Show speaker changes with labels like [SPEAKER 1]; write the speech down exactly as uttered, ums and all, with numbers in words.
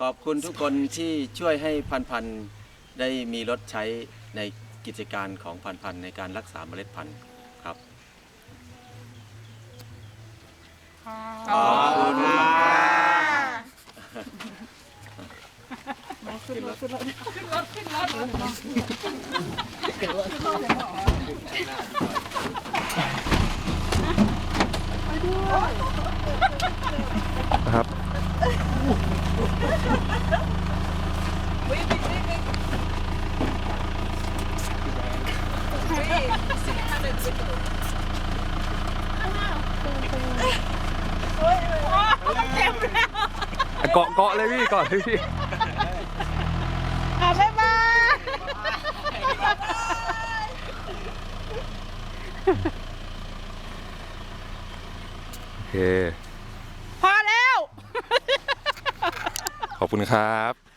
[SPEAKER 1] ขอบคุณทุกคนที่ช่วยให้พันพันได้มีรถใช้ในกิจการของพันพันในการรักษาเมล็ดพันธุ์ครับขอบคุณครับขึ้นรถขึ้นรถขึ้นรถขึ้นรถขึ้นรถ
[SPEAKER 2] ครับเกาะเกาะเลยพี่เกาะเลยพี่
[SPEAKER 3] บ๊ายบาย
[SPEAKER 2] โอเค
[SPEAKER 3] พอแล้ว
[SPEAKER 2] ขอบคุณครับ